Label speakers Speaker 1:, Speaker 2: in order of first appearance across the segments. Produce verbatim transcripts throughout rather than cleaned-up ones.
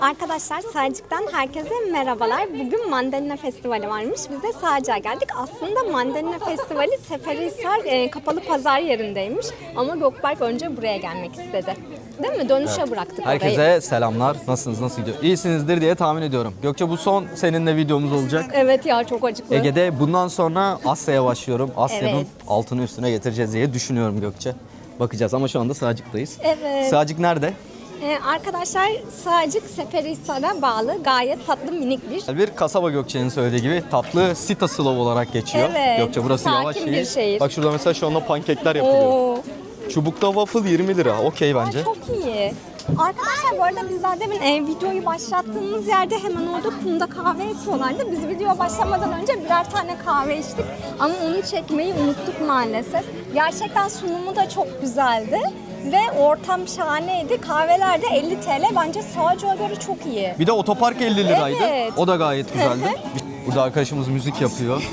Speaker 1: Arkadaşlar Sarcık'tan herkese merhabalar. Bugün Mandalina Festivali varmış. Biz de Sarcık'a geldik. Aslında Mandalina Festivali Seferihisar e, kapalı pazar yerindeymiş. Ama Gökberk önce buraya gelmek istedi. Değil mi? Dönüşe evet. bıraktık
Speaker 2: Herkese
Speaker 1: orayı.
Speaker 2: Herkese selamlar. Nasılsınız? Nasıl gidiyor? İyisinizdir diye tahmin ediyorum. Gökçe bu son seninle videomuz olacak.
Speaker 1: Evet ya, çok acıklı.
Speaker 2: Ege'de bundan sonra Asya'ya başlıyorum. Asya'nın
Speaker 1: Evet.
Speaker 2: altını üstüne getireceğiz diye düşünüyorum Gökçe. Bakacağız ama şu anda Sarcık'tayız.
Speaker 1: Evet.
Speaker 2: Sarcık nerede?
Speaker 1: Ee, arkadaşlar Sarcık Seferihisar'a bağlı gayet tatlı minik bir.
Speaker 2: Bir kasaba Gökçe'nin söylediği gibi tatlı Sita Slav olarak geçiyor.
Speaker 1: Evet.
Speaker 2: Gökçe burası
Speaker 1: Sakin
Speaker 2: yavaş
Speaker 1: bir
Speaker 2: şehir.
Speaker 1: şehir.
Speaker 2: Bak şurada mesela şu anda pankekler yapılıyor.
Speaker 1: Oo.
Speaker 2: Çubukta waffle yirmi lira. Okey bence.
Speaker 1: Ay, çok iyi. Arkadaşlar bu arada biz daha demin e, videoyu başlattığımız yerde hemen orada kumda kahve içiyorlardı. Biz video başlamadan önce birer tane kahve içtik. Ama onu çekmeyi unuttuk maalesef. Gerçekten sunumu da çok güzeldi. Ve ortam şahaneydi. Kahveler de elli TL. Bence Sarcık'a göre çok iyi.
Speaker 2: Bir de otopark elli liraydı.
Speaker 1: Evet.
Speaker 2: O da gayet güzeldi. Burada arkadaşımız müzik yapıyor.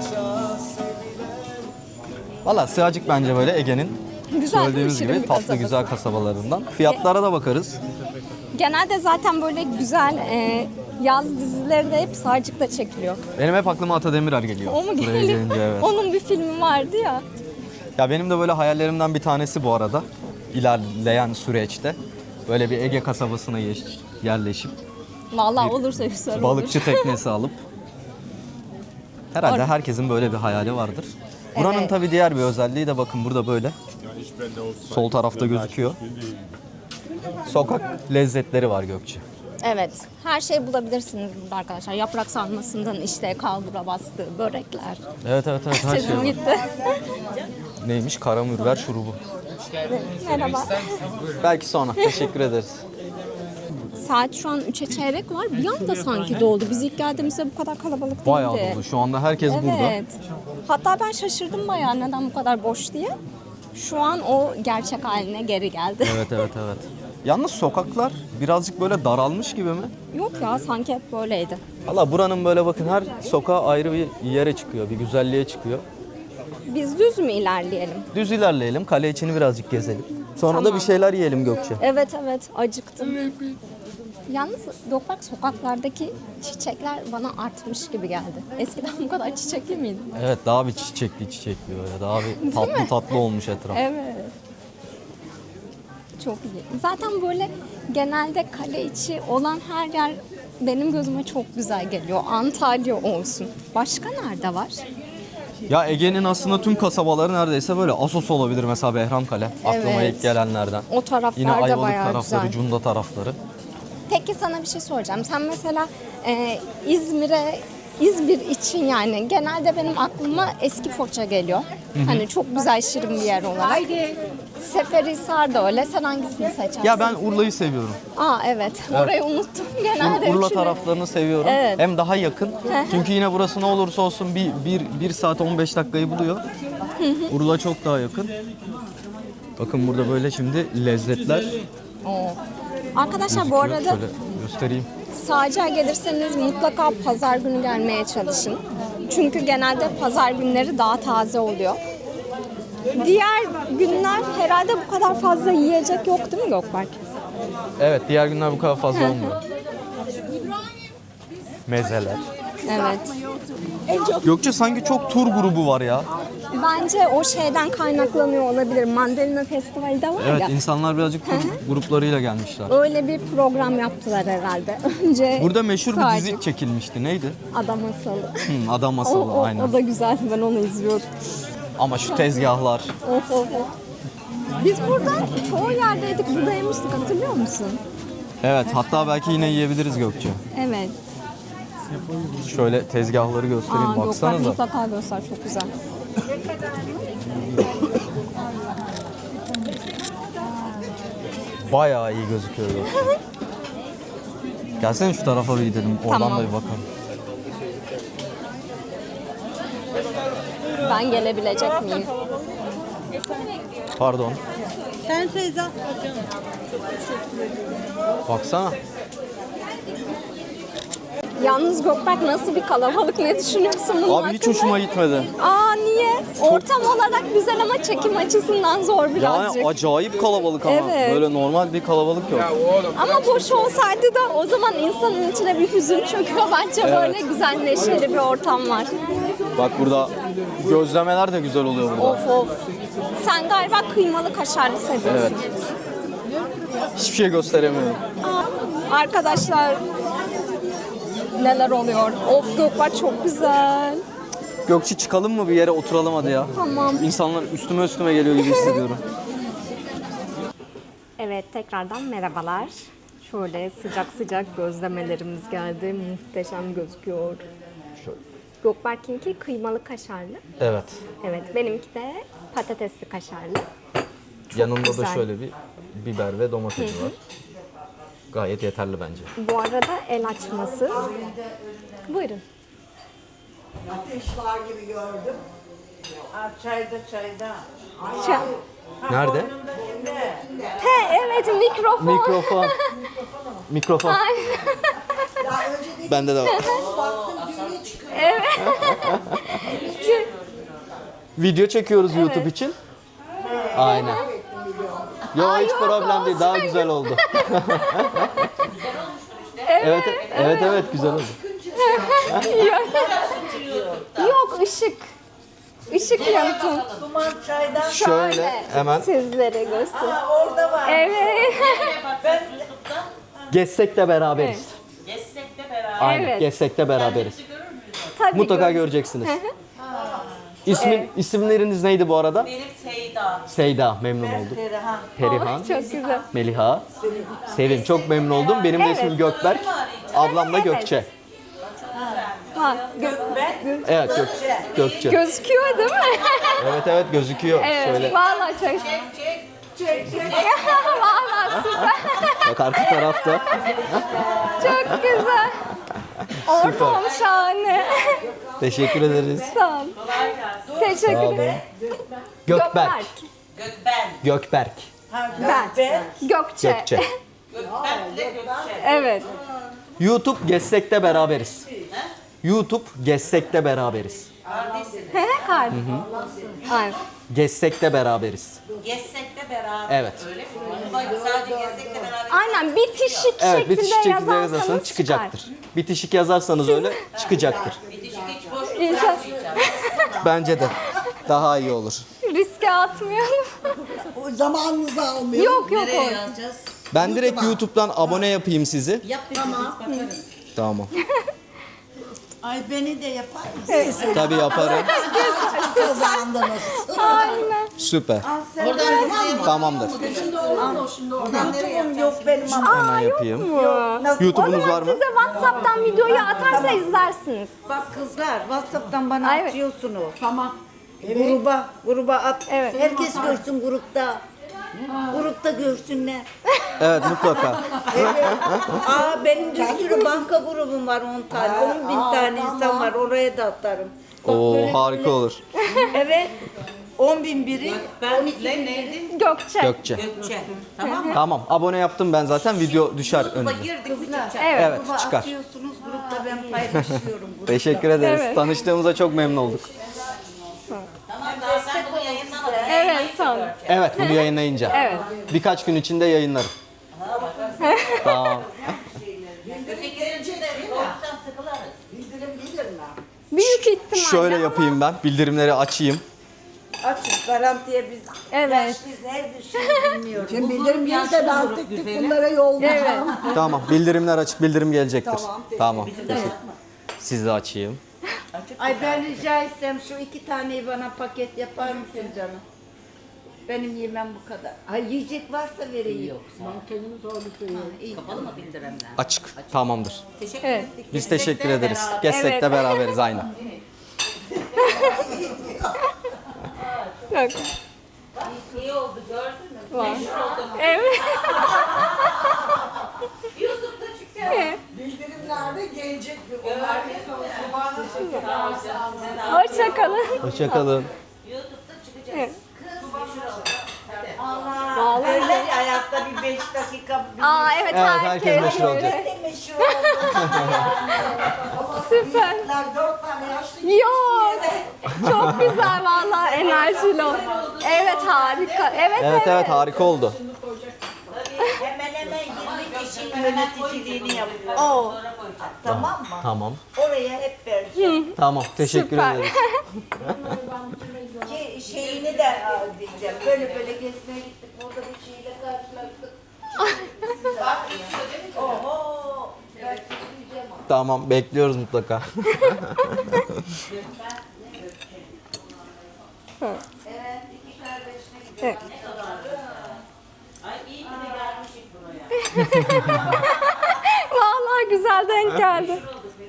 Speaker 2: Valla Sarcık bence böyle Ege'nin
Speaker 1: Güzel,
Speaker 2: söylediğimiz gibi tatlı
Speaker 1: kasabası.
Speaker 2: güzel kasabalarından. Fiyatlara da bakarız.
Speaker 1: Genelde zaten böyle güzel e, yaz dizileri de hep Sarcık'ta çekiliyor.
Speaker 2: Benim hep aklıma Ata Demirer geliyor.
Speaker 1: O mu
Speaker 2: Buraya
Speaker 1: geliyor?
Speaker 2: gelince, evet.
Speaker 1: Onun bir filmi vardı ya.
Speaker 2: Ya benim de böyle hayallerimden bir tanesi bu arada. İlerleyen süreçte böyle bir Ege kasabasına yerleşip
Speaker 1: Vallahi olursa güzel olur.
Speaker 2: balıkçı teknesi alıp herhalde
Speaker 1: Or-
Speaker 2: herkesin böyle bir hayali vardır. Buranın
Speaker 1: Evet.
Speaker 2: tabii diğer bir özelliği de bakın burada böyle sol tarafta gözüküyor. Sokak lezzetleri var Gökçe.
Speaker 1: Evet. Her şeyi bulabilirsiniz burada arkadaşlar. Yaprak sarmasından işte kalbura bastı, börekler.
Speaker 2: Evet evet evet her şey
Speaker 1: Sesim
Speaker 2: var.
Speaker 1: gitti.
Speaker 2: Neymiş? Karamürver şurubu.
Speaker 1: Merhaba.
Speaker 2: Belki sonra. Teşekkür ederiz.
Speaker 1: Saat şu an üçe çeyrek var. Bir anda sanki doldu. Biz ilk geldiğimizde bu kadar kalabalık değildi.
Speaker 2: Bayağı dolu. Şu anda herkes burada.
Speaker 1: Evet. Hatta ben şaşırdım bayağı neden bu kadar boş diye. Şu an o gerçek haline geri geldi.
Speaker 2: Evet evet evet. Yalnız sokaklar birazcık böyle daralmış gibi mi?
Speaker 1: Yok ya, sanki hep böyleydi.
Speaker 2: Valla buranın böyle bakın her sokağa ayrı bir yere çıkıyor, bir güzelliğe çıkıyor.
Speaker 1: Biz düz mü ilerleyelim?
Speaker 2: Düz ilerleyelim, kale içini birazcık gezelim. Sonra
Speaker 1: Tamam.
Speaker 2: da bir şeyler yiyelim Gökçe.
Speaker 1: Evet evet, acıktım. Yalnız Gökberk, sokaklardaki çiçekler bana artmış gibi geldi. Eskiden bu kadar çiçekli miydi?
Speaker 2: Evet, daha bir çiçekli çiçekli böyle, daha bir tatlı tatlı olmuş etraf.
Speaker 1: Evet. Çok iyi. Zaten böyle genelde kale içi olan her yer benim gözüme çok güzel geliyor. Antalya olsun. Başka nerede var?
Speaker 2: Ya Ege'nin aslında tüm kasabaları neredeyse böyle. Assos olabilir mesela, Behramkale. Aklıma
Speaker 1: Evet.
Speaker 2: ilk gelenlerden.
Speaker 1: O taraflar
Speaker 2: Yine
Speaker 1: da
Speaker 2: Ayvalık
Speaker 1: bayağı
Speaker 2: tarafları,
Speaker 1: güzel.
Speaker 2: Cunda tarafları.
Speaker 1: Peki sana bir şey soracağım. Sen mesela e, İzmir'e, İzmir için yani genelde benim aklıma eski Foça geliyor. Hani çok güzel, şirin bir yer olarak. Seferihisar da öyle. Sen hangisini seçersin?
Speaker 2: Ya ben Urla'yı seviyorum.
Speaker 1: Aa evet. Orayı unuttum. Genelde
Speaker 2: Urla
Speaker 1: üçünü-
Speaker 2: taraflarını seviyorum.
Speaker 1: Evet.
Speaker 2: Hem daha yakın. Çünkü yine burası ne olursa olsun bir, bir, bir saat on beş dakikayı buluyor. Urla çok daha yakın. Bakın burada böyle şimdi lezzetler
Speaker 1: Oo. Arkadaşlar bu
Speaker 2: gözüküyor.
Speaker 1: arada
Speaker 2: Şöyle göstereyim.
Speaker 1: Sarcık'a gelirseniz mutlaka pazar günü gelmeye çalışın. Çünkü genelde pazar günleri daha taze oluyor. Diğer günler herhalde bu kadar fazla yiyecek yok değil mi Gökberk?
Speaker 2: Evet, diğer günler bu kadar fazla olmuyor. Mezeler.
Speaker 1: Evet.
Speaker 2: Gökçe sanki çok tur grubu var ya.
Speaker 1: Bence o şeyden kaynaklanıyor olabilir. Mandalina Festivali de var
Speaker 2: Evet,
Speaker 1: ya.
Speaker 2: insanlar birazcık tur gruplarıyla gelmişler.
Speaker 1: Öyle bir program yaptılar herhalde. Önce
Speaker 2: Burada meşhur bir
Speaker 1: Sarcık,
Speaker 2: dizi çekilmişti. Neydi?
Speaker 1: Adam Masalı.
Speaker 2: Hı, Adam
Speaker 1: O,
Speaker 2: Masalı,
Speaker 1: o,
Speaker 2: aynen.
Speaker 1: o da güzeldi. Ben onu izliyordum.
Speaker 2: Ama şu tezgahlar.
Speaker 1: Of of of. Biz burada çoğu yerdeydik. Burada yemiştik, hatırlıyor musun?
Speaker 2: Evet, hatta belki yine yiyebiliriz Gökçe.
Speaker 1: Evet.
Speaker 2: Şöyle tezgahları göstereyim,
Speaker 1: Aa, Gökberk
Speaker 2: baksanıza.
Speaker 1: mutlaka göster. Çok güzel.
Speaker 2: Bayağı iyi gözüküyor Gökçe. Gelsene şu tarafa bir gidelim. Oradan
Speaker 1: Tamam.
Speaker 2: da bir bakalım.
Speaker 1: Ben gelebilecek miyim?
Speaker 2: Pardon.
Speaker 3: Sen teyze.
Speaker 2: Baksana.
Speaker 1: Yalnız Gökberk nasıl bir kalabalık, ne düşünüyorsun bunun
Speaker 2: Abi hiç
Speaker 1: hakkında?
Speaker 2: hoşuma gitmedi.
Speaker 1: Aa niye? Ortam olarak güzel ama çekim açısından zor birazcık.
Speaker 2: Yani acayip kalabalık ama.
Speaker 1: Evet.
Speaker 2: Böyle normal bir kalabalık yok.
Speaker 1: Ama boş olsaydı da o zaman insanın içine bir hüzün çöküyor. Bence böyle güzel neşeli bir ortam var.
Speaker 2: Bak burada gözlemeler de güzel oluyor burada.
Speaker 1: Of of. Sen galiba kıymalı kaşarlı seviyorsun.
Speaker 2: Evet. Hiçbir şey gösteremiyorum.
Speaker 1: Aa, arkadaşlar neler oluyor? Of Gökberk çok güzel.
Speaker 2: Gökçe çıkalım mı bir yere oturalım hadi ya.
Speaker 1: Tamam.
Speaker 2: İnsanlar üstüme üstüme geliyor gibi hissediyorum.
Speaker 1: Evet tekrardan merhabalar. Şöyle sıcak sıcak gözlemelerimiz geldi. Muhteşem gözüküyor. Gökberk'inki kıymalı kaşarlı.
Speaker 2: Evet.
Speaker 1: Evet benimki de patatesli kaşarlı.
Speaker 2: Yanında
Speaker 1: güzel.
Speaker 2: da şöyle bir biber ve domatesi var. Gayet yeterli bence.
Speaker 1: Bu arada el açması. Buyurun.
Speaker 3: Ateş var gibi gördüm. Aa, çayda çayda.
Speaker 1: Şu-
Speaker 2: Nerede?
Speaker 1: He evet mikrofon.
Speaker 2: Mikrofon. Mikrofon.
Speaker 1: Ay,
Speaker 3: Daha önce de
Speaker 2: Bende de var.
Speaker 3: baktım düğüne çıkıyor.
Speaker 2: Video çekiyoruz YouTube için. Aynen. Yo hiç
Speaker 1: yok,
Speaker 2: problem değil. Daha güzel oldu. evet, evet, evet güzel oldu.
Speaker 1: Yok ışık. Işık yansın.
Speaker 3: Duman çaydan.
Speaker 2: Şöyle hemen
Speaker 1: Sizlere göster.
Speaker 3: Aa, orada var.
Speaker 1: Evet.
Speaker 2: gezsek de beraberiz.
Speaker 4: Gezsek de beraber.
Speaker 2: Aynen.
Speaker 1: Evet.
Speaker 2: Gezsek de beraberiz.
Speaker 1: Tabii
Speaker 2: Mutlaka
Speaker 1: gör-
Speaker 2: göreceksiniz. İsmin, isimleriniz neydi bu arada?
Speaker 4: Benim Seyda.
Speaker 2: Seyda, memnun oldum.
Speaker 3: Perihan.
Speaker 2: Perihan,
Speaker 1: Oh, çok güzel.
Speaker 2: Meliha, Sevim. Çok memnun oldum. Benim de
Speaker 1: Evet.
Speaker 2: ismim Gökberk. Ablam da
Speaker 1: Evet.
Speaker 2: Gökçe.
Speaker 1: Ha, gö-
Speaker 2: Evet, Gök, Gökçe.
Speaker 1: gözüküyor değil mi?
Speaker 2: Evet, evet gözüküyor.
Speaker 1: Evet.
Speaker 2: Şöyle
Speaker 1: Vallahi çok. Çek çek. Vallahi süper.
Speaker 2: bak arka tarafta.
Speaker 1: Çok güzel. Ortam şahane.
Speaker 2: Teşekkür ederiz.
Speaker 1: Sağ ol. Teşekkür
Speaker 2: Sağ olun.
Speaker 1: ederim.
Speaker 2: Gökberk.
Speaker 4: Gökben.
Speaker 2: Gökberk.
Speaker 3: Ha,
Speaker 1: Ben.
Speaker 3: ben.
Speaker 1: Gökçe.
Speaker 2: Gökçe.
Speaker 4: Gökben ile Gökçe.
Speaker 1: Evet.
Speaker 2: YouTube gezsek de beraberiz. YouTube gezsek de beraberiz.
Speaker 4: Kardeşsin.
Speaker 1: He he kalp. Ay.
Speaker 2: Gezsek de beraberiz.
Speaker 4: Gezsek de beraber.
Speaker 2: Evet.
Speaker 4: Öyle mi? Bak sadece gezsek de beraber.
Speaker 1: Aynen bitişik
Speaker 2: Evet,
Speaker 1: şekilde
Speaker 2: bitişik şekilde
Speaker 1: yazarsanız
Speaker 2: yazarsanız çıkacaktır. Bitişik yazarsanız öyle çıkacaktır.
Speaker 4: Bitişik hiç boş
Speaker 1: İnşallah.
Speaker 4: bırakmayacağım.
Speaker 2: Bence de. Daha iyi olur.
Speaker 1: Riske atmayalım.
Speaker 3: O zamanınızı almıyor.
Speaker 1: yok yok
Speaker 4: Nereye
Speaker 1: o.
Speaker 4: yazacağız?
Speaker 2: Ben direkt YouTube'dan abone yapayım sizi.
Speaker 4: Yap tamam. Bakarız.
Speaker 2: Tamam.
Speaker 3: Ay beni de yapar mısın?
Speaker 2: Tabii yaparım.
Speaker 3: Kazandınız.
Speaker 1: Aynen.
Speaker 2: Süper.
Speaker 4: Oradan izleyelim.
Speaker 2: Tamamdır.
Speaker 3: YouTube'um yok benim ama.
Speaker 2: Hemen yapayım.
Speaker 1: Bu.
Speaker 3: Nasıl?
Speaker 1: O
Speaker 2: YouTube'unuz
Speaker 1: zaman
Speaker 2: var mı?
Speaker 1: size WhatsApp'tan videoyu atarsa izlersiniz.
Speaker 3: Bak kızlar WhatsApp'tan bana
Speaker 1: Ay, evet.
Speaker 3: atıyorsunuz. Tamam. Gruba, gruba at.
Speaker 1: Evet.
Speaker 3: Herkes görsün grupta. Grupta görsünler.
Speaker 2: Evet mutlaka.
Speaker 3: Evet. Aa benim bir sürü banka grubum var on tane. on bin tane insan var. Oraya da atarım. Bak
Speaker 2: Oo
Speaker 3: böyle-
Speaker 2: harika olur.
Speaker 3: Evet. on bin biri.
Speaker 4: Ben ne neydi?
Speaker 1: Gökçe.
Speaker 2: Gökçe.
Speaker 4: Gökçe. Tamam mı?
Speaker 2: Tamam abone yaptım ben zaten video düşer
Speaker 4: YouTube'a
Speaker 2: önüne.
Speaker 4: girdik mi çıkacak?
Speaker 1: Evet.
Speaker 2: Evet
Speaker 3: Gruba
Speaker 2: çıkar.
Speaker 3: atıyorsunuz. Grupta ben paylaşıyorum. Grupta.
Speaker 2: Teşekkür ederiz.
Speaker 1: Evet.
Speaker 2: Tanıştığımıza çok memnun olduk.
Speaker 4: Tamam daha sen bunu yayınlamadın.
Speaker 1: Evet son.
Speaker 2: Evet bunu yayınlayınca.
Speaker 1: Evet.
Speaker 2: Birkaç gün içinde yayınlarım. Tamam.
Speaker 4: Ötekilerin içinde olursan tıkılarız.
Speaker 3: Bildirim gelir mi?
Speaker 1: Büyük ihtimalle.
Speaker 2: Şöyle
Speaker 1: ama-
Speaker 2: yapayım ben. Bildirimleri açayım.
Speaker 3: Açın garantiye biz.
Speaker 1: Evet.
Speaker 3: Biz her bir şey bilmiyoruz. Şimdi bildirim gelirse ben tek tek bunlara yollayacağım.
Speaker 2: Tamam. Bildirimler açık. Bildirim gelecektir.
Speaker 3: Tamam,
Speaker 2: Tamam. Teşekkür. Siz de açayım.
Speaker 3: Ay ben rica etsem şu iki taneyi bana paket yapar mısın canım? Benim yemem bu kadar. Ay yiyecek varsa vereyim. Yok. Mankenimiz oldu.
Speaker 4: Kapalı mı bildirimler?
Speaker 2: Açık. Tamamdır.
Speaker 4: Teşekkür
Speaker 1: Evet.
Speaker 4: ettik.
Speaker 2: Biz teşekkür ederiz. Gezsek
Speaker 1: Evet.
Speaker 2: de beraberiz aynen.
Speaker 1: Yok.
Speaker 4: İyi oldu gördün mü?
Speaker 1: Var. Evet.
Speaker 4: YouTube'da çıkacağız.
Speaker 3: Bildirimlerde gelecek bir
Speaker 1: Hoşça kalın.
Speaker 2: Hoşçakalın.
Speaker 4: YouTube'da çıkacağız.
Speaker 1: Evet.
Speaker 3: Allah. Öyle ya, hayatta bir beş dakika. Bir
Speaker 1: Aa evet,
Speaker 2: Evet, herkes meşhur
Speaker 1: öyle.
Speaker 2: olacak.
Speaker 3: Ne meşhur oldu.
Speaker 1: Süper.
Speaker 3: Dört tane yaşlı.
Speaker 1: Yok. Çok güzel vallahi enerjili ol. Evet harika. Evet
Speaker 2: Evet evet harika oldu.
Speaker 3: Hemen hemen yirmi kişinin yöneticiliğini yapıyor.
Speaker 1: Oo.
Speaker 3: Tamam mı?
Speaker 2: Tamam.
Speaker 3: Oraya hep vereceğim.
Speaker 2: Tamam teşekkür
Speaker 1: Süper.
Speaker 2: ederiz.
Speaker 3: Ki şeyini de al diyeceğim. Böyle böyle gezmeye gittik. Orada bir şeyle karşılaştık. Bak, oho. Ben söyleyeceğim ama.
Speaker 2: Tamam bekliyoruz mutlaka.
Speaker 3: Evet, iki kardeşine gidiyor.
Speaker 1: Evet.
Speaker 4: Ay iyi ki de gelmişik buraya.
Speaker 1: Vallahi güzel denk geldi.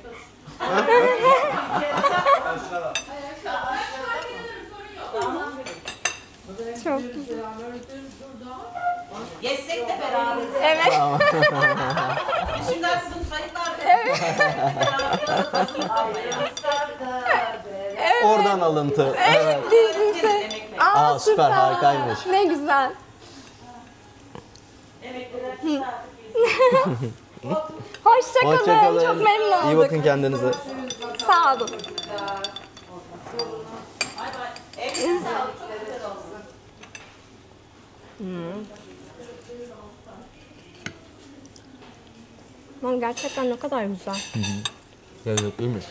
Speaker 1: Çok güzel.
Speaker 4: Gezsek de beraber.
Speaker 1: Evet.
Speaker 4: Biz şimdi artık bunu sayıklar. Evet.
Speaker 2: Oradan alıntı. Evet.
Speaker 1: Dizisi. Aa,
Speaker 2: Aa, süper, harikaymış.
Speaker 1: Ne güzel. Hoşça kalın.
Speaker 2: Hoşçakalın.
Speaker 1: Çok memnun olduk.
Speaker 2: İyi bakın kendinize.
Speaker 1: Sağ olun.
Speaker 4: Evine sağlık. Çok güzel olsun.
Speaker 1: Lan gerçekten ne kadar güzel.
Speaker 2: Lezzetliymiş.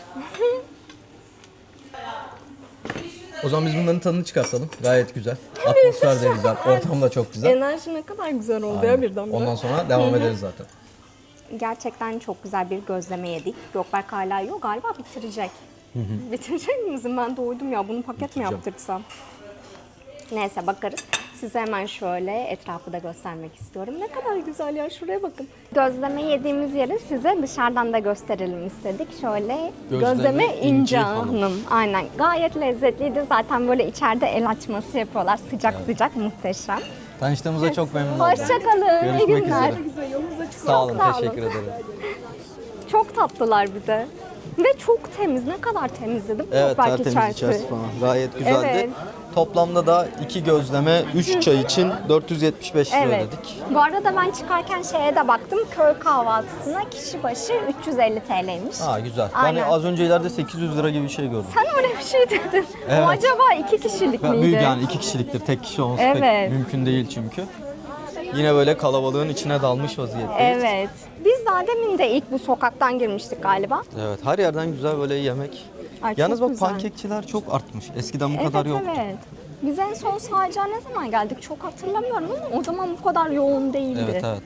Speaker 2: O zaman biz bunların tadını çıkartalım. Gayet güzel. Atmosfer de güzel. Ortam da çok güzel.
Speaker 1: Enerji ne kadar güzel oldu ya birden.
Speaker 2: Ondan sonra devam ederiz zaten.
Speaker 1: Gerçekten çok güzel bir gözleme yedik. Gökberk hala yok galiba bitirecek. Bitirecek misin? Ben doydum ya. Bunu paket mi
Speaker 2: Bitireceğim.
Speaker 1: yaptırsam? Neyse bakarız. Size hemen şöyle etrafı da göstermek istiyorum. Ne kadar güzel ya. Şuraya bakın. Gözleme yediğimiz yeri size dışarıdan da gösterelim istedik. Şöyle
Speaker 2: Gözleme
Speaker 1: gözleme,
Speaker 2: İnci
Speaker 1: İnci
Speaker 2: Hanım.
Speaker 1: Hanım. Aynen. Gayet lezzetliydi. Zaten böyle içeride el açması yapıyorlar. Sıcak sıcak muhteşem.
Speaker 2: Tanıştığımıza çok memnun oldum.
Speaker 1: Hoşçakalın. İyi
Speaker 2: Görüşmek
Speaker 1: günler.
Speaker 2: üzere. Sağ olun,
Speaker 1: Sağ olun.
Speaker 2: teşekkür ederim.
Speaker 1: Çok tatlılar bir de. Ve çok temiz. Ne kadar temiz dedim.
Speaker 2: Evet,
Speaker 1: Gökberk
Speaker 2: tertemiz
Speaker 1: içerisi.
Speaker 2: içerisi falan. Gayet güzeldi.
Speaker 1: Evet.
Speaker 2: Toplamda da iki gözleme, üç çay için dört yüz yetmiş beş lira
Speaker 1: Evet.
Speaker 2: ödedik.
Speaker 1: Bu arada ben çıkarken şeye de baktım. Köy kahvaltısına kişi başı üç yüz elli T L'ymiş.
Speaker 2: Ha güzel.
Speaker 1: Aynen.
Speaker 2: Yani az önce ileride sekiz yüz lira gibi bir şey gördüm.
Speaker 1: Sen öyle bir şey dedin.
Speaker 2: Evet.
Speaker 1: O acaba iki kişilik
Speaker 2: Ben-
Speaker 1: miydi?
Speaker 2: Büyük yani iki kişiliktir. Tek kişi olması
Speaker 1: Evet.
Speaker 2: pek mümkün değil çünkü. Yine böyle kalabalığın içine dalmış vaziyetteyiz.
Speaker 1: Evet. Biz daha demin de ilk bu sokaktan girmiştik galiba.
Speaker 2: Evet, her yerden güzel böyle yemek.
Speaker 1: Ay,
Speaker 2: Yalnız
Speaker 1: çok
Speaker 2: bak
Speaker 1: güzel.
Speaker 2: pankekçiler çok artmış. Eskiden bu
Speaker 1: Evet
Speaker 2: kadar yoktu.
Speaker 1: evet. Biz en son Sağcığa ne zaman geldik çok hatırlamıyorum ama o zaman bu kadar yoğun değildi.
Speaker 2: Evet evet.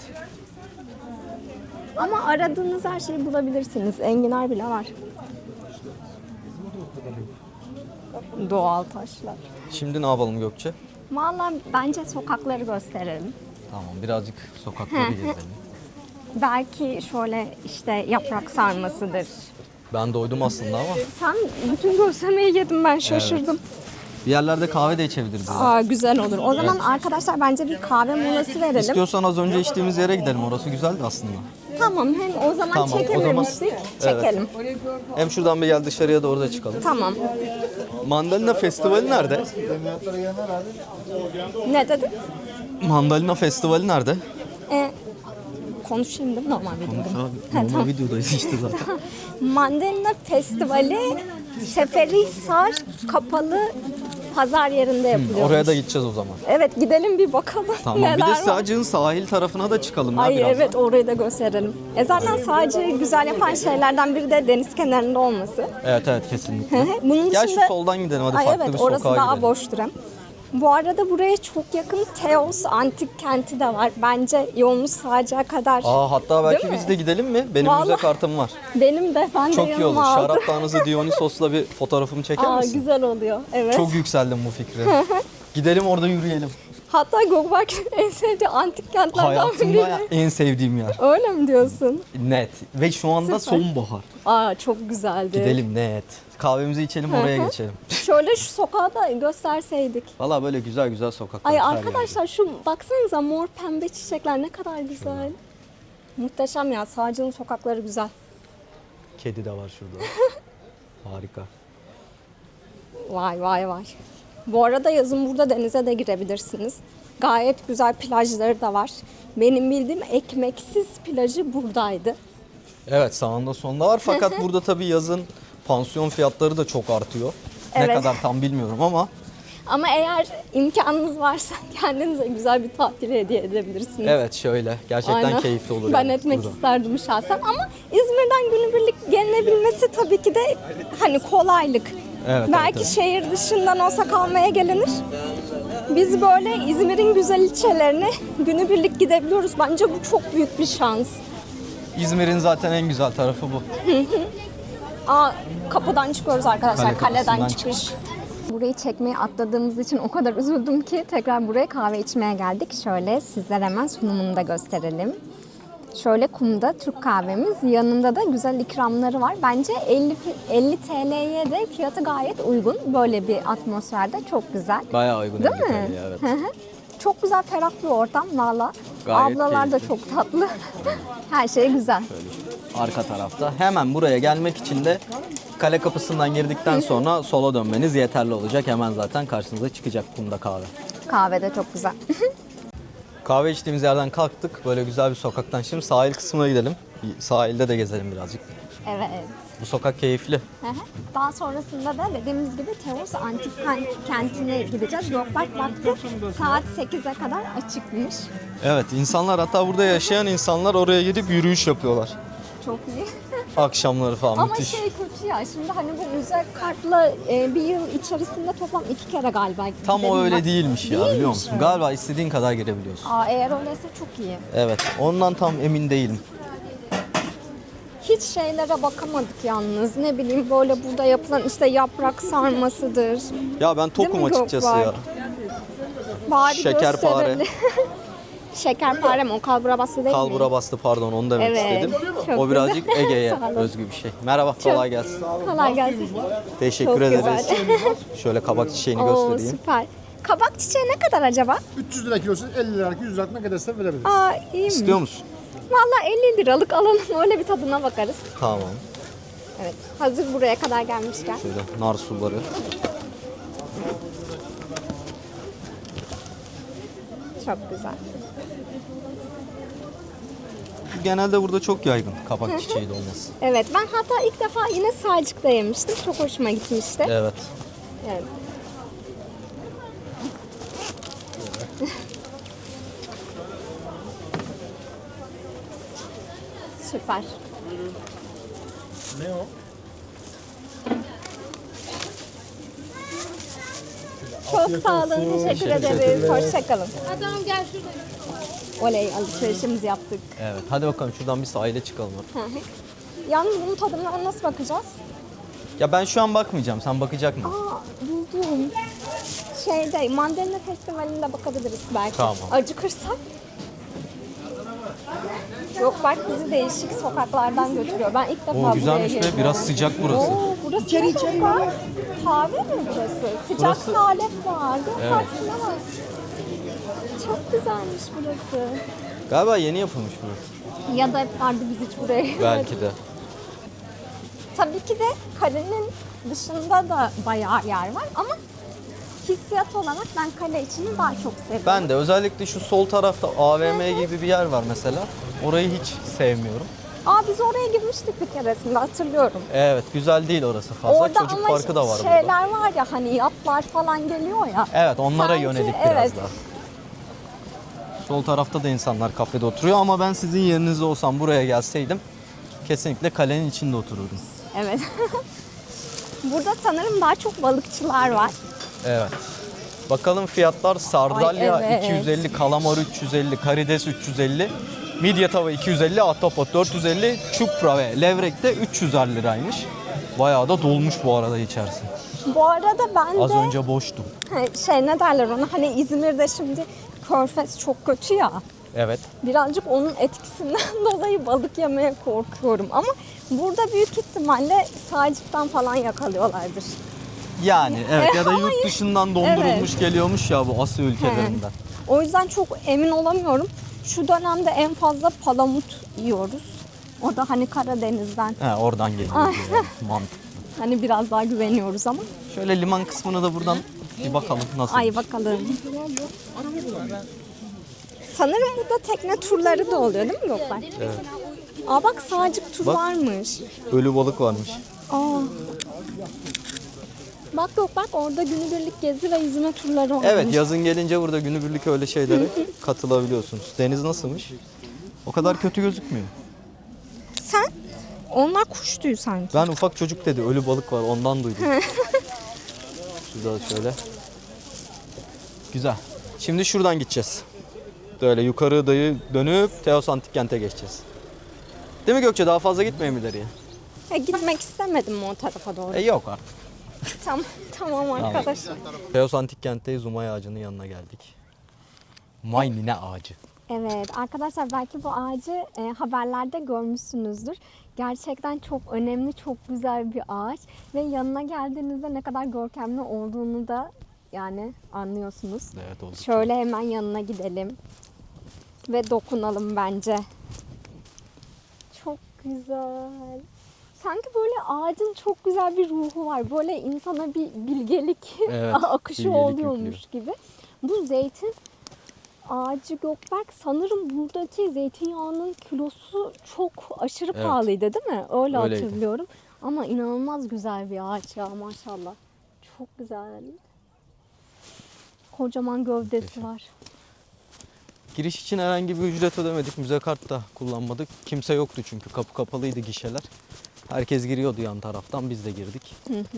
Speaker 1: Ama aradığınız her şeyi bulabilirsiniz. Enginar bile var. Doğal taşlar.
Speaker 2: Şimdi ne yapalım Gökçe?
Speaker 1: Vallahi bence sokakları gösterelim.
Speaker 2: Tamam, birazcık sokakları gezelim.
Speaker 1: Belki şöyle işte yaprak sarmasıdır.
Speaker 2: Ben doydum aslında ama
Speaker 1: Sen bütün gözlemeyi yedim ben şaşırdım.
Speaker 2: bir yerlerde kahve de içebiliriz. yani.
Speaker 1: Aa güzel olur. O zaman arkadaşlar bence bir kahve molası verelim.
Speaker 2: İstiyorsan az önce içtiğimiz yere gidelim. Orası güzeldi aslında.
Speaker 1: Tamam hem o zaman
Speaker 2: Tamam, o zaman-
Speaker 1: çekememiştik. Çekelim.
Speaker 2: Hem şuradan bir gel dışarıya da orada çıkalım.
Speaker 1: Tamam.
Speaker 2: Mandalina Festivali nerede?
Speaker 1: Ne dedin?
Speaker 2: Mandalina Festivali nerede?
Speaker 1: Ee, konuşayım değil mi normal videoda?
Speaker 2: Abi, normal videodayız işte zaten.
Speaker 1: Mandalina Festivali Seferihisar kapalı pazar yerinde yapılıyor.
Speaker 2: Oraya da gideceğiz o zaman.
Speaker 1: Evet gidelim bir bakalım
Speaker 2: Tamam.
Speaker 1: neler
Speaker 2: Bir de
Speaker 1: var.
Speaker 2: Sığacık'ın sahil tarafına da çıkalım ya
Speaker 1: Ay
Speaker 2: biraz.
Speaker 1: evet orayı da gösterelim. E zaten sadece güzel yapan şeylerden biri de deniz kenarında olması.
Speaker 2: Evet evet kesinlikle.
Speaker 1: Bunun
Speaker 2: Gel
Speaker 1: dışında...
Speaker 2: şu soldan gidelim hadi
Speaker 1: Ay
Speaker 2: farklı
Speaker 1: evet
Speaker 2: bir
Speaker 1: orası
Speaker 2: sokağa
Speaker 1: daha
Speaker 2: gidelim.
Speaker 1: boştur hem. Bu arada buraya çok yakın Teos antik kenti de var. Bence yolumuz Sağcık'a kadar.
Speaker 2: Aa hatta belki
Speaker 1: Değil mi?
Speaker 2: biz de gidelim mi? Benim
Speaker 1: Vallahi-
Speaker 2: müze kartım var.
Speaker 1: Benim de ben de
Speaker 2: Çok iyi olur.
Speaker 1: yanıma aldım.
Speaker 2: Şarap tanrısı Dionysos'la bir fotoğrafımı çeker
Speaker 1: Aa,
Speaker 2: misin?
Speaker 1: güzel oluyor. Evet.
Speaker 2: Çok yükseldim bu fikre. Gidelim orada yürüyelim.
Speaker 1: Hatta Gökberk'in en sevdiği antik kentlerden
Speaker 2: Hayatımda
Speaker 1: biri.
Speaker 2: en sevdiğim yer.
Speaker 1: Öyle mi diyorsun?
Speaker 2: Net. Ve şu anda
Speaker 1: Süper.
Speaker 2: sonbahar.
Speaker 1: Aa çok güzeldi.
Speaker 2: Gidelim net. Kahvemizi içelim oraya geçelim.
Speaker 1: Şöyle şu sokağı da gösterseydik.
Speaker 2: Valla böyle güzel güzel sokaklar.
Speaker 1: Ay
Speaker 2: her
Speaker 1: arkadaşlar şu baksanıza mor pembe çiçekler ne kadar güzel. Muhteşem ya. Sağcı'nın sokakları güzel.
Speaker 2: yerde. Kedi de var şurada. Harika.
Speaker 1: Vay vay vay. Bu arada yazın burada denize de girebilirsiniz. Gayet güzel plajları da var. Benim bildiğim ekmeksiz plajı buradaydı.
Speaker 2: Evet, sağında solunda var fakat burada tabii yazın pansiyon fiyatları da çok artıyor. Ne
Speaker 1: Evet.
Speaker 2: kadar tam bilmiyorum ama
Speaker 1: Ama eğer imkanınız varsa kendinize güzel bir tatil hediye edebilirsiniz.
Speaker 2: evet şöyle gerçekten
Speaker 1: Aynen.
Speaker 2: keyifli olur.
Speaker 1: Ben
Speaker 2: yani
Speaker 1: etmek
Speaker 2: burada.
Speaker 1: isterdim şahsen ama İzmir'den günübirlik gelinebilmesi tabii ki de hani kolaylık.
Speaker 2: Evet,
Speaker 1: Belki
Speaker 2: evet, evet.
Speaker 1: şehir dışından olsa kalmaya gelinir. Biz böyle İzmir'in güzel ilçelerine günübirlik gidebiliyoruz. Bence bu çok büyük bir şans.
Speaker 2: İzmir'in zaten en güzel tarafı bu.
Speaker 1: Aa, kapıdan çıkıyoruz arkadaşlar.
Speaker 2: Kale
Speaker 1: Kaleden
Speaker 2: kapısından
Speaker 1: çıkış. Burayı çekmeyi atladığımız için o kadar üzüldüm ki tekrar buraya kahve içmeye geldik. Şöyle sizlere hemen sunumunu da gösterelim. Şöyle kumda Türk kahvemiz. Yanında da güzel ikramları var. Bence elli, elli T L'ye de fiyatı gayet uygun. Böyle bir atmosferde çok güzel.
Speaker 2: Bayağı uygun.
Speaker 1: Değil
Speaker 2: elli
Speaker 1: mi?
Speaker 2: T L'ye, evet.
Speaker 1: Hı hı. Çok güzel, ferah bir ortam valla.
Speaker 2: Gayet
Speaker 1: Ablalar da
Speaker 2: keyifli.
Speaker 1: çok tatlı. Her şey güzel.
Speaker 2: Arka tarafta. Hemen buraya gelmek için de kale kapısından girdikten sonra sola dönmeniz yeterli olacak. Hemen zaten karşınıza çıkacak kumda kahve.
Speaker 1: Kahve de çok güzel.
Speaker 2: Kahve içtiğimiz yerden kalktık. Böyle güzel bir sokaktan. Şimdi sahil kısmına gidelim. Sahilde de gezelim birazcık.
Speaker 1: Evet.
Speaker 2: Bu sokak keyifli.
Speaker 1: Hı hı. Daha sonrasında da dediğimiz gibi Teos Antik Kenti'ne gideceğiz. Gökberk baktı saat sekize kadar açıkmış.
Speaker 2: Evet, insanlar hatta burada yaşayan insanlar oraya gidip yürüyüş yapıyorlar.
Speaker 1: Çok iyi.
Speaker 2: Akşamları falan
Speaker 1: Ama
Speaker 2: müthiş.
Speaker 1: şey kötü ya, şimdi hani bu müze kartla e, bir yıl içerisinde toplam iki kere galiba
Speaker 2: Tam o
Speaker 1: gidelim
Speaker 2: öyle
Speaker 1: var.
Speaker 2: değilmiş ya,
Speaker 1: Değilmiş
Speaker 2: biliyor musun?
Speaker 1: mi?
Speaker 2: Galiba istediğin kadar girebiliyorsun.
Speaker 1: Aa, eğer öyleyse çok iyi.
Speaker 2: Evet, ondan tam emin değilim.
Speaker 1: Hiç şeylere bakamadık yalnız. Ne bileyim böyle burada yapılan işte yaprak sarmasıdır.
Speaker 2: Ya ben tokum
Speaker 1: mi
Speaker 2: açıkçası
Speaker 1: Gökberk?
Speaker 2: ya.
Speaker 1: Bari
Speaker 2: Şekerpare.
Speaker 1: gösterelim. Şekerpare mi? O kalbura bastı değil mi?
Speaker 2: Kalbura bastı, pardon, onu demek
Speaker 1: Evet,
Speaker 2: istedim.
Speaker 1: çok
Speaker 2: O birazcık
Speaker 1: güzel.
Speaker 2: Ege'ye
Speaker 1: Sağ olun.
Speaker 2: özgü bir şey. Merhaba, kolay gelsin.
Speaker 1: Kolay gelsin.
Speaker 2: Teşekkür
Speaker 1: Çok
Speaker 2: ederiz.
Speaker 1: güzel.
Speaker 2: Şöyle kabak çiçeğini
Speaker 1: Oo,
Speaker 2: göstereyim.
Speaker 1: süper. Kabak çiçeği ne kadar acaba?
Speaker 5: üç yüz lira kilosu, elli lira, yüz lira ne kadarsa verebiliriz.
Speaker 1: Aa, iyi mi?
Speaker 2: İstiyor musun?
Speaker 1: Valla elli liralık alalım, öyle bir tadına bakarız.
Speaker 2: Tamam.
Speaker 1: Evet, hazır buraya kadar gelmişken.
Speaker 2: Şöyle nar suları.
Speaker 1: Çok güzel.
Speaker 2: Genelde burada çok yaygın kabak çiçeği de olması.
Speaker 1: Evet, ben hatta ilk defa yine Salcık'ta yemiştim. Çok hoşuma gitmişti.
Speaker 2: Evet.
Speaker 1: Evet. Süper.
Speaker 5: Ne o?
Speaker 1: Çok sağ olun, teşekkür
Speaker 2: Teşekkür
Speaker 1: ederiz.
Speaker 2: ederiz.
Speaker 1: Hoşçakalın. Adam gel şurada. Oley, alışverişimizi yaptık.
Speaker 2: Evet. Hadi bakalım şuradan bir sahile çıkalım.
Speaker 1: Hı hı. Yalnız bunun tadına nasıl bakacağız?
Speaker 2: Ya ben şu an bakmayacağım. Sen bakacak mısın?
Speaker 1: Aa, buldum. Şeyde, Mandalina Festivali'nde bakabiliriz belki.
Speaker 2: Tamam.
Speaker 1: Acıkırsak. Yok, bak bizi değişik sokaklardan götürüyor. Ben ilk defa
Speaker 2: Oo,
Speaker 1: buraya
Speaker 2: güzelmiş ve
Speaker 1: geliyorum.
Speaker 2: biraz sıcak burası.
Speaker 1: Oo, burası içeri, içeri. Kahve mi burası? Sıcak
Speaker 2: Burası-
Speaker 1: salep var. Dur,
Speaker 2: Evet.
Speaker 1: baksana bak. Çok güzelmiş burası.
Speaker 2: Galiba yeni yapılmış burası.
Speaker 1: Ya da hep vardı, biz hiç buraya gelmedik.
Speaker 2: Belki de.
Speaker 1: Tabii ki de kalenin dışında da bayağı yer var ama hissiyat olarak ben kale içini daha çok seviyorum.
Speaker 2: Ben de özellikle şu sol tarafta A V M gibi bir yer var mesela. Orayı hiç sevmiyorum.
Speaker 1: Aa, biz oraya girmiştik bir keresinde, hatırlıyorum.
Speaker 2: Evet, güzel değil orası fazla.
Speaker 1: Orada
Speaker 2: Çocuk
Speaker 1: ama
Speaker 2: parkı da var
Speaker 1: şeyler
Speaker 2: burada.
Speaker 1: var ya, hani yatlar falan geliyor ya.
Speaker 2: Evet, onlara
Speaker 1: Sanki,
Speaker 2: yönelik biraz
Speaker 1: evet.
Speaker 2: daha. Sol tarafta da insanlar kafede oturuyor ama ben sizin yerinizde olsam buraya gelseydim kesinlikle kalenin içinde otururdum.
Speaker 1: Evet. Burada sanırım daha çok balıkçılar var.
Speaker 2: Evet. Bakalım fiyatlar: sardalya
Speaker 1: Ay, evet.
Speaker 2: iki yüz elli, kalamar üç yüz elli, karides üç yüz elli, midye tava iki yüz elli, ahtapot dört yüz elli, çupra ve levrek de üç yüz liraymış. Bayağı da dolmuş bu arada içerisi.
Speaker 1: Bu arada ben
Speaker 2: Az
Speaker 1: de
Speaker 2: önce boştu.
Speaker 1: şey, ne derler ona, hani İzmir'de şimdi Körfez çok kötü ya.
Speaker 2: Evet.
Speaker 1: Birazcık onun etkisinden dolayı balık yemeye korkuyorum ama burada büyük ihtimalle Salcık'tan falan yakalıyorlardır.
Speaker 2: Yani evet, ya da
Speaker 1: Ama
Speaker 2: yurt dışından dondurulmuş geliyormuş ya bu Asya ülkelerinden.
Speaker 1: O yüzden çok emin olamıyorum. Şu dönemde en fazla palamut yiyoruz. O da hani Karadeniz'den.
Speaker 2: He, oradan geliyor. yani, mantıklı.
Speaker 1: Hani biraz daha güveniyoruz ama.
Speaker 2: Şöyle liman kısmına da buradan bir bakalım nasıl.
Speaker 1: Ay bakalım. Sanırım burada tekne turları da oluyor değil mi Gökber?
Speaker 2: Evet.
Speaker 1: Aa bak sağcık tur
Speaker 2: Bak.
Speaker 1: varmış.
Speaker 2: Ölü balık varmış.
Speaker 1: Aa. Bak yok bak orada günübirlik gezi ve yüzme turları olmuş.
Speaker 2: Evet, yazın gelince burada günübirlik öyle şeylere katılabiliyorsunuz. Deniz nasılmış? O kadar kötü gözükmüyor.
Speaker 1: Sen? Onlar kuş tüyü sanki.
Speaker 2: Ben ufak çocuk dedi, ölü balık var, ondan duydum. Güzel şöyle. Güzel. Şimdi şuradan gideceğiz. Böyle yukarı dayı dönüp Teos Antik Kent'e geçeceğiz. Değil mi Gökçe? Daha fazla gitmeyelim ileriye.
Speaker 1: E, gitmek istemedim mi o tarafa doğru?
Speaker 2: E yok artık.
Speaker 1: Tamam, tamam arkadaşlar.
Speaker 2: Teos Antik Kent'teyiz. Umay ağacının yanına geldik. Maynine ağacı.
Speaker 1: Evet arkadaşlar belki bu ağacı e, haberlerde görmüşsünüzdür. Gerçekten çok önemli, çok güzel bir ağaç. Ve yanına geldiğinizde ne kadar görkemli olduğunu da yani anlıyorsunuz.
Speaker 2: Evet oldu.
Speaker 1: Şöyle hemen yanına gidelim. Ve dokunalım bence. Çok güzel. Sanki böyle ağacın çok güzel bir ruhu var. Böyle insana bir bilgelik
Speaker 2: Evet,
Speaker 1: akışı
Speaker 2: bilgelik
Speaker 1: oluyormuş
Speaker 2: yüklüyor.
Speaker 1: gibi. Bu zeytin ağacı Gökberk sanırım buradaki zeytinyağının kilosu çok aşırı
Speaker 2: Evet.
Speaker 1: pahalıydı değil mi? Öyle
Speaker 2: Öyleydi.
Speaker 1: hatırlıyorum. Ama inanılmaz güzel bir ağaç ya maşallah. Çok güzel. Kocaman gövdesi
Speaker 2: Muhteşem.
Speaker 1: var.
Speaker 2: Giriş için herhangi bir ücret ödemedik. Müze kart da kullanmadık. Kimse yoktu çünkü. Kapı kapalıydı, gişeler. Herkes giriyordu yan taraftan. Biz de girdik.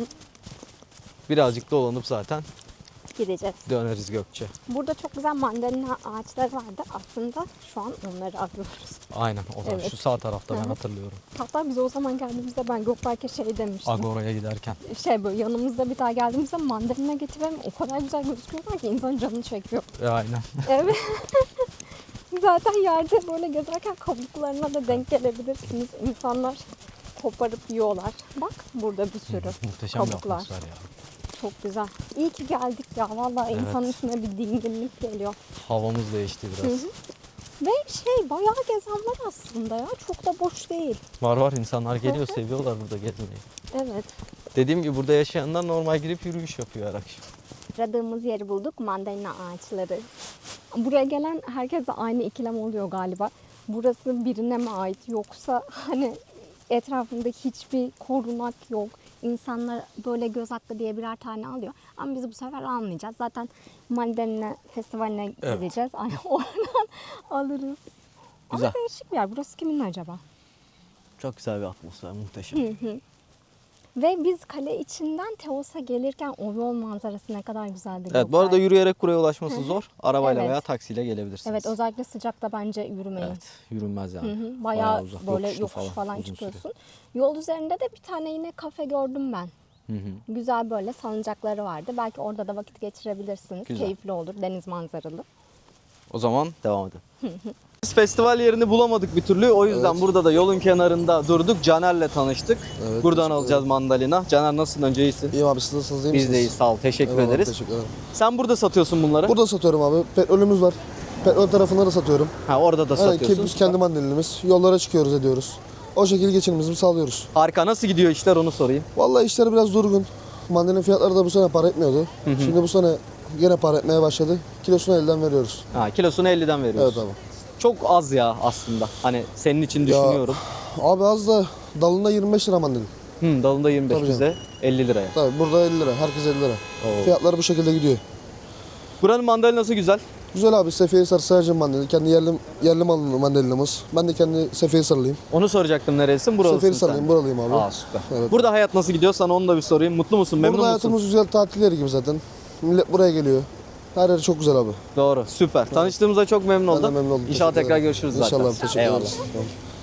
Speaker 2: Birazcık dolanıp zaten
Speaker 1: Gideceğiz.
Speaker 2: döneriz Gökçe.
Speaker 1: Burada çok güzel mandalina ağaçları vardı. Aslında şu an onları arıyoruz.
Speaker 2: Aynen o da
Speaker 1: Evet.
Speaker 2: şu sağ tarafta ben
Speaker 1: Hı hı.
Speaker 2: hatırlıyorum.
Speaker 1: Hatta biz o zaman geldiğimizde ben Gökberk'e şey demiştim.
Speaker 2: Agora'ya giderken.
Speaker 1: Şey böyle yanımızda bir daha geldiğimizde mandalina getirelim. O kadar güzel gözüküyorlar ki insan canını çekiyor.
Speaker 2: E, aynen.
Speaker 1: Evet. Zaten yerde böyle gezerken kabuklarına da denk gelebilirsiniz. İnsanlar koparıp yiyorlar. Bak burada bir sürü
Speaker 2: Muhteşem bir
Speaker 1: kabuklar.
Speaker 2: atmosfer ya.
Speaker 1: Çok güzel. İyi ki geldik ya. Vallahi
Speaker 2: Evet.
Speaker 1: insanın üstüne bir dinginlik geliyor.
Speaker 2: Havamız değişti biraz.
Speaker 1: Hı hı. Ve şey bayağı gezen var aslında ya. Çok da boş değil.
Speaker 2: Var var, insanlar geliyor, seviyorlar burada gezmeyi.
Speaker 1: Evet.
Speaker 2: Dediğim gibi burada yaşayanlar normal girip yürüyüş yapıyor her akşam.
Speaker 1: Aradığımız yeri bulduk. Mandalina ağaçları. Buraya gelen herkese aynı ikilem oluyor galiba. Burası birine mi ait yoksa hani etrafında hiçbir korunak yok. İnsanlar böyle göz hakkı diye birer tane alıyor. Ama biz bu sefer almayacağız. Zaten Mandalina Festivali'ne
Speaker 2: Evet.
Speaker 1: gideceğiz. Ay, oradan alırız.
Speaker 2: Güzel.
Speaker 1: Ama değişik bir yer. Burası kimin acaba?
Speaker 2: Çok güzel bir atmosfer, muhteşem.
Speaker 1: Ve biz kale içinden Teos'a gelirken o yol manzarası ne kadar güzeldi.
Speaker 2: Evet, bu arada
Speaker 1: Gökberk.
Speaker 2: yürüyerek buraya ulaşması zor. Arabayla
Speaker 1: Evet.
Speaker 2: veya taksiyle gelebilirsiniz.
Speaker 1: Evet özellikle sıcakta bence yürümeyin.
Speaker 2: Evet, yürünmez yani.
Speaker 1: Hı hı, bayağı,
Speaker 2: uzak,
Speaker 1: böyle
Speaker 2: yokuşlu
Speaker 1: yokuş falan,
Speaker 2: uzun
Speaker 1: çıkıyorsun.
Speaker 2: süre.
Speaker 1: Yol üzerinde de bir tane yine kafe gördüm ben.
Speaker 2: Hı hı.
Speaker 1: Güzel böyle salıncakları vardı. Belki orada da vakit geçirebilirsiniz.
Speaker 2: Güzel.
Speaker 1: Keyifli olur, deniz manzaralı.
Speaker 2: O zaman devam edelim. Biz festival yerini bulamadık bir türlü. O yüzden burada da yolun kenarında durduk. Caner'le tanıştık.
Speaker 6: Evet,
Speaker 2: Buradan
Speaker 6: teşekkür
Speaker 2: alacağız mandalina. Caner nasılsın? Önce iyisin.
Speaker 6: İyiyim abi, siz nasılsınız, iyi
Speaker 2: Biz
Speaker 6: misiniz?
Speaker 2: de iyiyiz. Sağ ol. Teşekkür
Speaker 6: Eyvallah,
Speaker 2: ederiz.
Speaker 6: Teşekkür ederim.
Speaker 2: Sen burada satıyorsun bunları.
Speaker 6: Burada satıyorum abi. Petrolümüz var. Petrol tarafında da satıyorum.
Speaker 2: Ha, orada da
Speaker 6: Aynen,
Speaker 2: satıyorsun.
Speaker 6: biz kendi mandalinimiz. Yollara çıkıyoruz, ediyoruz. O şekilde geçimimizi sağlıyoruz.
Speaker 2: Harika. Nasıl gidiyor işler, onu sorayım.
Speaker 6: Vallahi işler biraz durgun. Mandalina fiyatları da bu sene para etmiyordu. Şimdi bu sene yine para etmeye başladı. Kilosunu elden veriyoruz.
Speaker 2: Ha, kilosunu elliden veriyorsun.
Speaker 6: Evet abi.
Speaker 2: Çok az ya aslında. Hani senin için düşünüyorum.
Speaker 6: Abi az da dalında yirmi beş lira mandalina.
Speaker 2: Hı, dalında yirmi beş,
Speaker 6: Tabii
Speaker 2: bize elli liraya.
Speaker 6: Tabii burada elli lira. Herkes elli lira.
Speaker 2: Oo.
Speaker 6: Fiyatları bu şekilde gidiyor.
Speaker 2: Buranın mandalinası güzel.
Speaker 6: Güzel abi. Seferihisar Sığırcın mandalina. Kendi yerli, yerli malını mandalinamız. Ben de kendi Seferihisarlıyım.
Speaker 2: Onu soracaktım, nerelisin? Buralısın
Speaker 6: Seferihisarlıyım.
Speaker 2: sen.
Speaker 6: Buralıyım abi.
Speaker 2: Aa, süper.
Speaker 6: Evet.
Speaker 2: Burada hayat nasıl gidiyor? Sana onu da bir sorayım. Mutlu musun? Memnun
Speaker 6: Burada
Speaker 2: musun?
Speaker 6: hayatımız güzel, tatil yeri gibi zaten. Millet buraya geliyor. Her yer çok güzel abi.
Speaker 2: Doğru. Süper. Tanıştığımıza çok memnun
Speaker 6: Ben de
Speaker 2: oldum.
Speaker 6: memnun oldum.
Speaker 2: İnşallah
Speaker 6: Teşekkür
Speaker 2: tekrar
Speaker 6: ederim.
Speaker 2: görüşürüz zaten.
Speaker 6: İnşallah, teşekkür
Speaker 2: Eyvallah.
Speaker 6: ederiz. Tamam.